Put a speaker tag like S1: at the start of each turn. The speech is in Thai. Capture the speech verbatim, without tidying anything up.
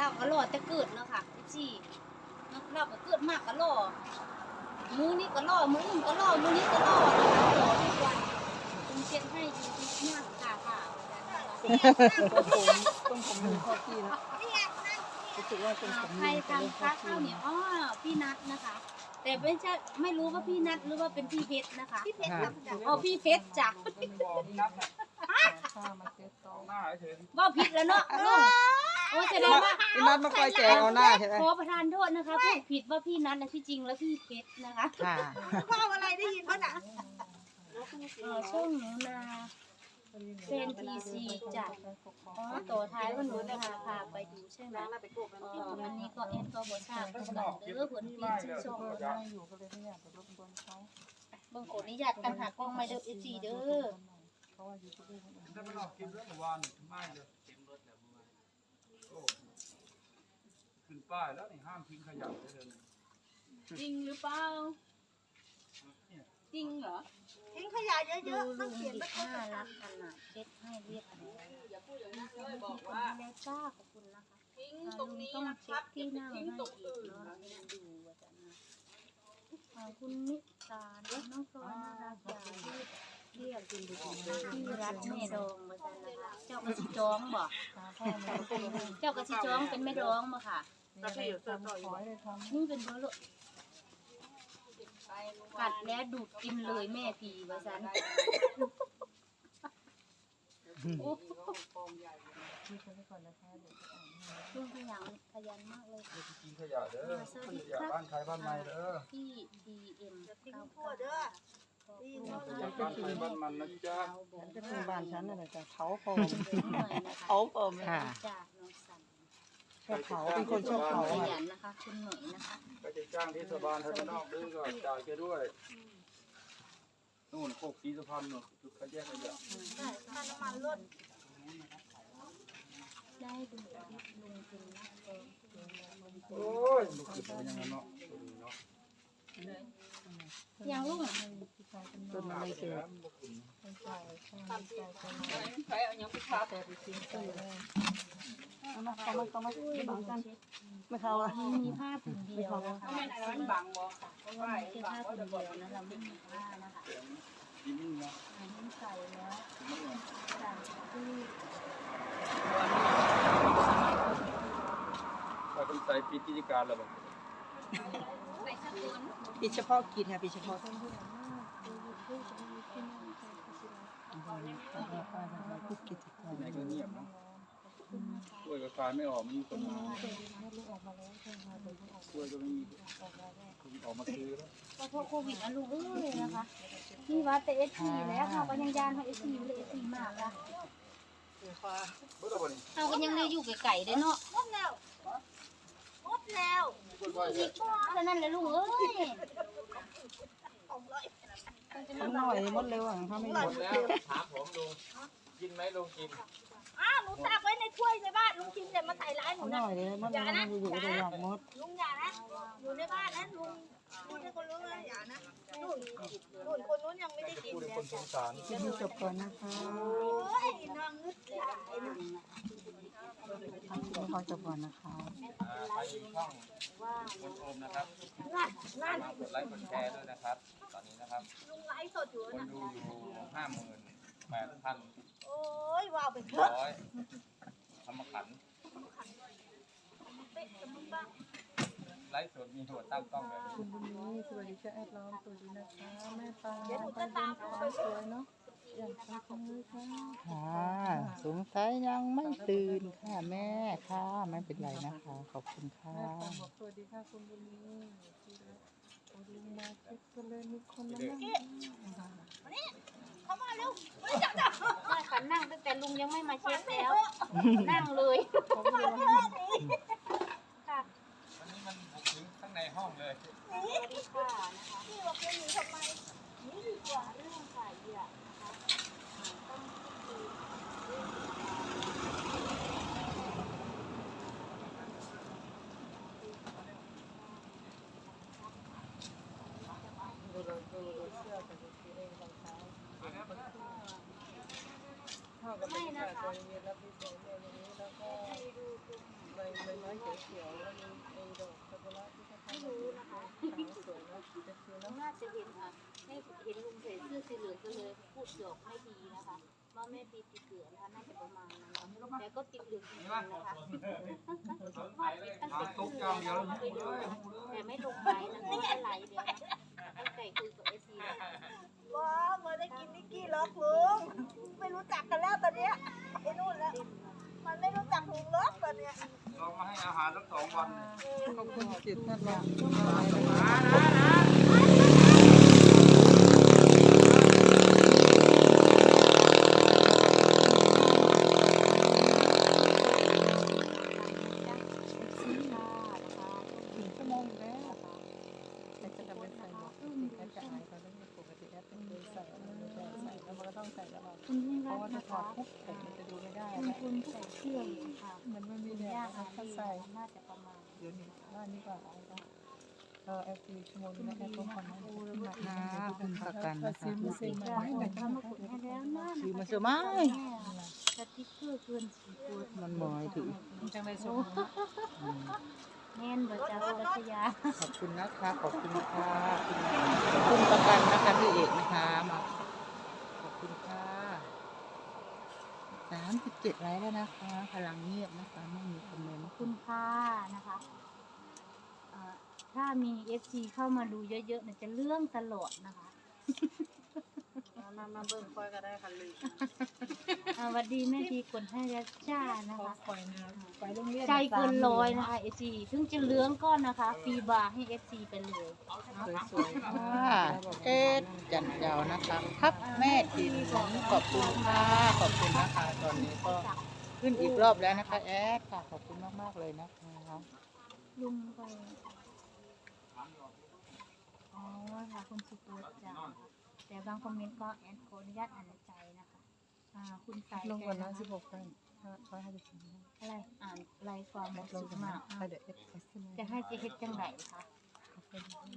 S1: ก็หล่อแต่เกิดเนาะค่ะพี่เราก็เกิดมากก็หล่อมือนี้ก็หล่อมืออื่นก็หล่อมือนี้ก็หล่อนะคะหล่อทุกวันคุณเช็ดให้อยู่ที่หน้าขาขาว
S2: ต้องผมต้องผมดูข้อที่นะรู้สึกว่าเป็นผม
S1: ใครทำค้าข้าวเหนียวอ๋อพี่นัทนะคะ แต่ไม่ใช่ไม่รู้ว่าพี่นัทหรือว่าเป็นพี่เพชรนะคะพี่เพชรอ๋อพี่เพชรจ้ะว่าผิดแล้วเนาะโอ้แสดงว่า
S2: พี่นัทมาคอยแจกเอาหน้าใช่ไหม
S1: ขอประทานโทษนะคะพูดผิดว่าพี่นัทนะที่จริงแล้วพี่เพชรนะคะ
S2: ค่ะ
S3: พ่ออะไรได้ยินป่ะน่ะ
S1: ช่วงหนูนาเซนทีซีจัดอ๋อตัวท้ายว่าหนูจะพาพาไปดูใช่ไหมอ๋อวันนี้ก็เอ็นก็บทราบกันเด้อผลปีนชื่นชม
S2: อยู่ก็เลยไม่อยากไปรบกวนเขา
S1: บางคนนี่อยากกันหากล้องไม่เด้อเอซีเด้อ
S2: เพราะว่าอยู่ที่นี่
S4: ถ้าไม่ออกคลิปเรื่องเมื่อวานไม่เลยขึ้นป้ายแล้วนี่ห้ามทิ้งขยะได้เลย
S1: จริงหรือเปล่าจริงเหรอ
S3: ทิ้งขยะเย
S1: ดู
S3: อะๆ
S1: ลุ
S3: ต้อง
S1: ง
S3: เขียน
S1: ดิ
S3: ไว้
S1: น่ารักขนาดเช็ดให้เรียบร้อยอย่าพูดอย่างนั้นเลยบอกว่าแม่จ้าขอบคุณนะคะทิ้งตรงนี้ต้องเช็ดที่นั่งให้อีกเนาะดูว่าจะนะขอบคุณนิตาน้องโซน่ารักอย่างที่เรียกกินดูที่รักแม่ดองมาจันนะคะเจ้ากระชิจ้องบ่เจ้ากระชิจ้องเป็นแม่ดองมาค่ะ
S2: แล้วพี่อยู่เสื้อต่อยเลยทำ
S1: นี่เป็นเบอร์โลกัดแล้วดูดกินเลยแม่พีว่าซันโอ้ช่วงขยันขยันมากเลย
S4: ทิ้งขยะเด้อขยะบ้านใครบ้านใครเด้อ
S1: พี่ดีเอ็ม
S3: ทิ้งพ่อเด้อดีเนาะ
S4: ขยะบ้านใครบ้านมันนะจ๊ะ
S2: ฉันจะเป็นบ้านฉันนั่นแหละแต่เขาผม
S1: หน่อยนะคะ
S2: เขาผม
S1: ค่ะ
S2: ค่ะ
S1: จากน้องสัน
S2: ชอบเขาเป็นคนชอบเขา
S1: ข
S2: อ่ะ
S1: ยันนะคะคุณหน่อยนะคะ
S4: ก็จะจ้างเทศบาลทางนอกด้วยก็จ่ายแกด้วยนู่นโคกศรีสุพรรณนู่นจุดขยะขยะ
S3: ค่าน้ำมันลด
S1: ได้ดูคลิปลุงเป็นนักเอง
S4: โอ้ยลูกศิษย์เป็นยังไงเนาะเนาะ
S1: ยังลุง
S2: จนไม่เกิด
S3: ใครเอายังไปทา
S2: แต่ไปทิ้งตู้เลยเอามาเขามาเขามาไม่บังกันไม่เขาอ่ะ
S1: มีผ้าผืนเดียวนะคะ
S3: ไม่ไหนมันบังบ่
S1: เพราะว่ามันเป็นผ้าผืนเดียวนะเราไม่มีผ้านะคะ
S4: ยิ้มเนาะ
S1: อันนี้ใส่แล้วจากที่
S4: ก็ต้องใส่ปิดกิจการแล้วบ่
S1: ใส่สกุล
S2: ปิดเฉพาะกิจค่ะปิดเฉพาะพูดกิจกรรม
S4: ไหนก็เงียบเนาะช่วยก็ขายไม่ออกมันมีคนมาช่วยก็ไม่มีคนออกมาซื้อแล้ว
S1: ก็เพราะโควิดนะลุงเอ้ยนะคะนี่ว่าแต่เอสซีแล้วเขาก็ยังยานเขาเอสซีเลยเอสซีมากละ
S4: เบิดแล้วบ่นี่
S1: เขาก็ยังเลยอยู่ไกลๆได้เนาะ
S3: หมดแล้วหมดแล้ว
S4: เบิดไว้
S1: อีกบ่เท่านั้นแหละลุงเอ้ย
S3: ของร้อย
S2: ทั้งหน่อยหมดเลยว่ะถ้าไม่หมด
S5: แล้วถามผมลุงกินไหมลุงกิน
S3: อ้าวหนูตักไว้ในถ้วยในบ้านลุงกินแต่มาใส่ร้ายหนู
S2: ห
S3: นะ
S2: น่อยเลยหมดเลยอยู่ๆก็อยากหมด
S3: ลุงอย่านะอยู่ในบ้านนะลุงพูดให้คนรู้นะอย่านะนู่นนู่นคนนู้นยังไม่ได้กิน
S4: พูด
S3: เล
S4: ให้
S3: ย
S4: คนสงสาร
S2: คลิปนี้จบก่อนนะคะ
S3: โอ้ยน้องนึกหลายนะ
S2: คลิปนี้เขาจบก่อนนะคะ
S5: อ่าไปอยู่ช่องคุณโอมนะครับ
S3: นั่นนั่น
S5: มากดไลค์กดแชร์ด้วยนะครับ ตอนนี้นะครับ
S3: ลุงไลฟ์สดอยู่
S5: คน
S3: นะ
S5: ดูอยู่ห้าหมื่นแปดพัน
S3: โอ้ยว้าวไปเถอะ
S5: ร้อยทำมาขัน
S3: เป๊ะจะมึงบ้าง
S5: ไลฟ์สดมีหัวตั้งกล้องแบบนี้
S2: คุณบุญนี้สวัสดีค่ะแอดล้อมสวัสดีนะคะแม่ปลา
S3: เดี๋ยวหนูจะตามลุงไป
S2: สวยเนาะอย่างสวยค่ะค่ะสงสัยยังไม่ตื่นค่ะแม่ค่ะไม่เป็นไรนะคะขอบคุณค่ะบอกสวัสดีค่ะคุณบุญนี้โอ้ลุงมาเช็คกันเลยมีคนมานั่ง
S3: เข้ามาเร็วไม่จับจับ
S1: ใช่ค่ะนั่งตั้งแต่ลุงยังไม่มาเช็คแล้ว นั่งเลย
S3: มาเถอะหนี
S1: ค่ะ
S5: วันนี้มันบุกถึงข้างในห้องเลย
S3: หนี
S1: ค่ะนะคะ
S3: พี่บอกจะหนีทำไมหนีดีกว่า
S1: เรื่องขายเหยื่อนะคะต้องคือ ไม่นะคะ
S2: เย็นแล้วพี่สวยเลยอย่างนี้แล้วก็ใบใบไม้แ
S1: ไม่รู้นะคะน่าจะเห็นค่ะให้เห็นลุงใส่เสื้อสีเหลืองก็เลยพูดหยอกไม่ดีนะคะว่าแม่ปีติดเหลืองนะคะน่าจะประมาณนั้นแต่ก็ติดเหลืองจริงๆนะคะว่าติดตั้งแต่คืนแล้วไปดูแต่ไม่ลงไปนะไม่ได้ไหลเดียวนะตั้งใจคุยกับเอซีแล้วค่ะ
S3: ว้าวมาได้กินนิกกี้ล็อกลุงไม่รู้จักกันแล้วตอนเนี้ยไอ้นู่นแล้วมันไม่รู้จักลุงล็อกตอนเนี้ย
S5: ลองมาให้อาหารสักสองวัน
S2: ขอบคุณจิตท่านรอง
S5: มานะนะ
S2: ถึงชั่วโมงแล้วแต่จะทำเป็นใส่หมวกจริงๆจะอายเขาต้องปกติแอปเป็นเคยใส่ไม่ได้ใส่แล้วมันก็ต้องใส่ตลอด
S1: คุณยิ่ง
S2: เพ
S1: รั
S2: ราะ
S1: ก
S2: ว่า
S1: นะ
S2: ถ้าถอ
S1: คะ
S2: ดปุ๊บผมมันจะดูไม่ได้
S1: คุณคุณใส่เสื้ออยู่ค่ะ
S2: มันไม่มีแดด
S1: ย่า
S2: นะ
S1: อา
S2: ถ้า
S1: ลี
S2: ใส่
S1: น่าจะประมาณ
S2: เดี๋ยวนี้ว่านี่ก่อนเออแอปซีชั่วโมงนี้แอปต้องคอมเมนต์ค่ะคุณประกันนะคะคุณซื้อ
S1: เรา
S2: มาให้หน่อย
S1: ทำมาขุดให้แล้วนะ
S2: ซื้อมาเสือไม้
S1: สติ๊กเกอร์เกินสี่ตัว
S2: มันหมายถึงจังไรส่ง
S1: แน่นเบอร์จ้ารัชยา
S2: ขอบคุณนะคะขอบคุณค่ะคุณประกันนะคะพี่เอกนะคะมาขอบคุณค่ะสามสิบเจ็ดไลค์แล้วนะคะพลังเงียบนะคะไม่มีคอมเมนต์
S1: คุณค่านะคะเอ่อถ้ามีเอฟซีเข้ามาดูเยอะๆเนี่ยจะเรื่องตลอดนะคะ
S3: มามาเบิ่งคอยก็ได้ค่ะลุง
S1: อ่าสวัสดีแม่ทีกดให้ยาจ้านะคะ
S2: คอยนะไปโรงเรียน
S1: ใจเกินร้อยนะคะเอฟซีถึงจะเลื้องก้อนนะคะฟรีบาร์ให้เอฟซีไปเลย
S2: สวยๆค่ะเอ็ดจันเจ้านะคะครับแม่ทีมขอบคุณค่ะขอบคุณนะคะตอนนี้ก็ขึ้นอีกรอบแล้วนะคะแอดค่ะขอบคุณมากๆเลยนะคะ
S1: ลุงไปอ๋อค่ะคุณสุตัวจ้าแต่บางคอมเมนต์ก็แอดขออนุญาตอ่านในใจนะคะอ่าคุณสาย
S2: ลงก่อนนะ
S1: ใจ
S2: สิบหกกันร้อยห้าสิบสอง
S1: อะไรอ่านลายความหมด
S2: ล
S1: สุ
S2: ง
S1: ด
S2: ก่อน
S1: มา
S2: นะ
S1: กอ่ะ
S2: ไปเดี๋ยวเอ็ดขึ้น
S1: จะให้เจเฮ็ดจังไหนคะ